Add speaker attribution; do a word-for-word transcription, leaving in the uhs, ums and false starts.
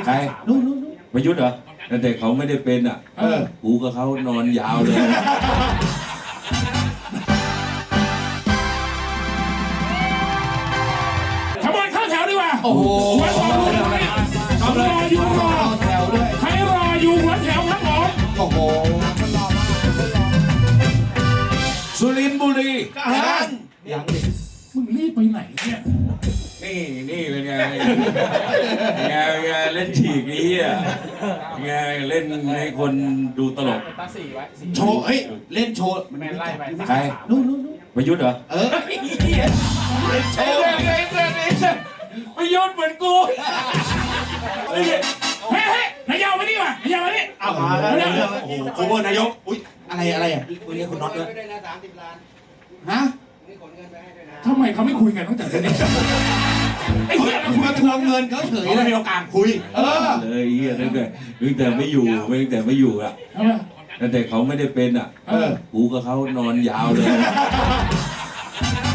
Speaker 1: ร
Speaker 2: นู้นนู้นนู้น
Speaker 1: ประยุทธ์เหรอแต่เขาไม่ได้เป็นอ่ะ
Speaker 2: เออ
Speaker 1: กูกับเขานอนยาวเลย
Speaker 3: ขบวนเข้าแถวดีกว่า
Speaker 2: โอ้โห
Speaker 3: หัวแถวรอรออยู่รอ
Speaker 2: แถวด้วย
Speaker 3: ใครรออยู่หัวแถวครับผม
Speaker 2: โอ้โห
Speaker 1: สุรินทร์บุรี
Speaker 2: ยังยังดิ
Speaker 3: มึงรีบไปไหนเนี่ย
Speaker 1: นี่นี่เป็นไงเป็นไงเป็นไงเล่นฉีกนี้อ่ะเป็นไงเล่นให้คนดูตลก
Speaker 4: ตั้งสี่ไว้สี่
Speaker 2: โชว์เฮ้ยเล่นโชว์
Speaker 4: แมนไล่ไป
Speaker 1: ใคร
Speaker 2: นู้นนู้นนู้น
Speaker 1: ประยุทธ์เหรอ
Speaker 2: เออเล่นโช
Speaker 1: ไอ้
Speaker 2: ว์
Speaker 1: เรื่องไอ้เรื่องไอ้เรื่องประยุทธ์เหมือนกูเฮ้ย
Speaker 3: เฮ้ยเฮ้ยนายยาวมานี่ว่ะนายยาวมานี่
Speaker 2: เอามาแล้วโอ้โหโคเวอร์นายกอุ้ยอะไรอะไรอ่ะ
Speaker 5: คุยเรียกคุณน็อตด้วยนะสามสิบล้าน
Speaker 2: ฮะ
Speaker 5: นี่ขนเงินไปให้ด้วยนะ
Speaker 3: ทำไมเขาไม่คุยกันตั้งแต่เดี๋ยวนี้ไอ้
Speaker 2: เขา
Speaker 3: เหี้ย
Speaker 2: คุยทวงเงินเขาเฉยเลยมีโอกาสคุยเออ
Speaker 1: เลยเฮียตั้งแต่ตั้งแต่ไม่อยู่ตั้งแต่ไม่อยู่อ่ะ
Speaker 3: ทำไม
Speaker 1: แต่เขาไม่ได้เป็นอ่ะ
Speaker 3: เออ
Speaker 1: กูกับเขานอนยาวเลย